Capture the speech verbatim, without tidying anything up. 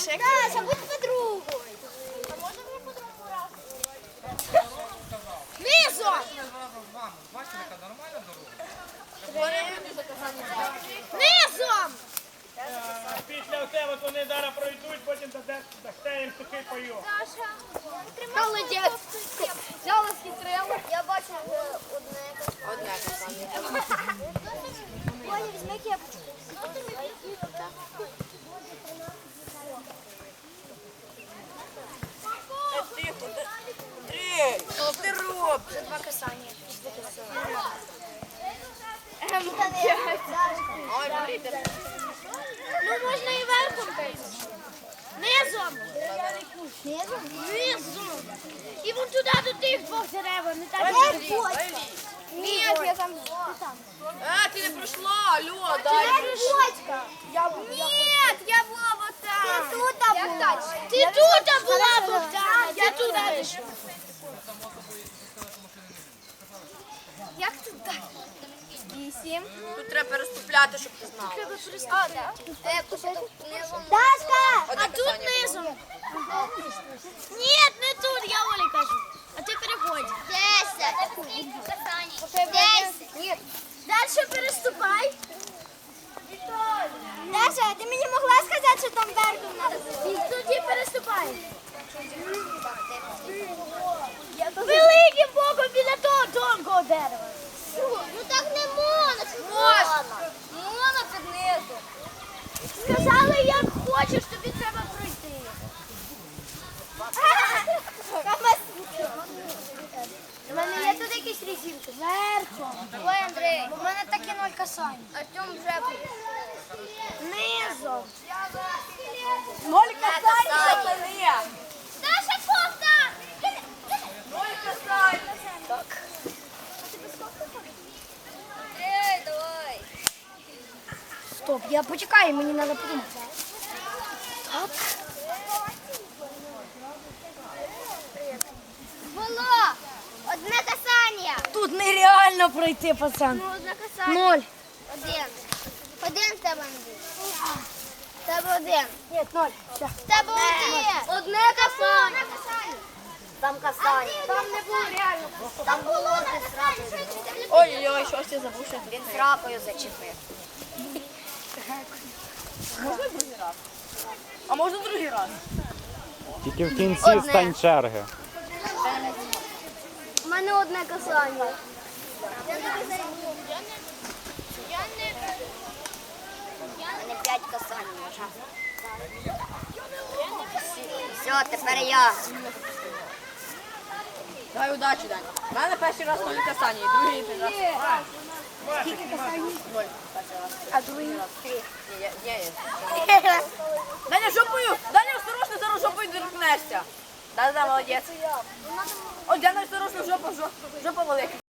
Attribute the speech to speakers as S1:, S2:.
S1: Даша, Даша, будь подругою. А може мені подругу раз? Низом!
S2: Бачите, яка нормальна дорога?
S1: Низом!
S3: Після тебе вони зараз пройдуть, потім дасте їм сухий пайок.
S1: Даша, молодець. Взяла схитрила. Я бачу одне.
S4: Одне касання.
S1: Оля, візьми кепочку.
S4: Тихо, Андрій, що ти робиш?
S1: Вже два касання.
S4: Ой, Маріта.
S1: Ну можна і верхом бити. Низом. Низом? Низом. І вон туди до тих двох дерев, не так. Ні, я там.
S4: А, ти не пройшла, алло,
S1: Ти
S4: дай.
S1: почка. Ні, я була вот там. Ти тут була. Ти тут була, Богдан. Я тут дійшла. Як тут далі? Вісім.
S4: Тут треба переступляти, щоб ти знала.
S1: Треба пристати. Дашка!
S4: Одне
S1: А тут
S4: касання
S1: низом. Ні, не тут, я Олі кажу. А ти переходь. Десять. Десять. Ні. Дальше переступай. Даша, ти мені могла сказати, що там верхом треба? І тоді переступай. Великим боком біля того тонкого дерева. Ну так не можна. Можна. Можна під низу. Сказали, як хочеш, тобі треба пройти. У мене є тут якісь резинки. Верхом. Ой, Андрій, у мене такі ноль касань. Артем вже низом.
S4: Ноль касань, Марія.
S1: Даша, кофта!
S4: Ноль касань. Так.
S1: Ей, давай. Стоп, я почекаю, мені треба подумати. Так. Було одне касання.
S5: Тут нереально пройти, пацан.
S1: Ну, одне касання.
S5: Ноль.
S1: Один. Один в тебе, Андрій. В тебе один.
S5: Ні, ноль. Все.
S1: В тебе один. Одне касання.
S5: Там касання.
S1: Там не було реально. Там було одне касання.
S4: Ой-ой-ой, щось ти забувся.
S5: Він трапою зачепив.
S4: Можна другий раз? А можна другий раз?
S6: Тільки в кінці стань черги.
S1: У мене одне касання.
S5: У мене п'ять касань. Все, тепер я.
S4: Дай удачі, Дань. У мене перший раз ноль касання, і другий раз.
S5: Скільки касань?
S4: Ноль перший раз.
S5: А другий? Три.
S4: Ні, я, я, я. Даня, жопою! Даня, осторожно, зараз жопою доркнешся. Да-да, молодець. О, Даня, осторожно, жопа, жопа, жопа велика.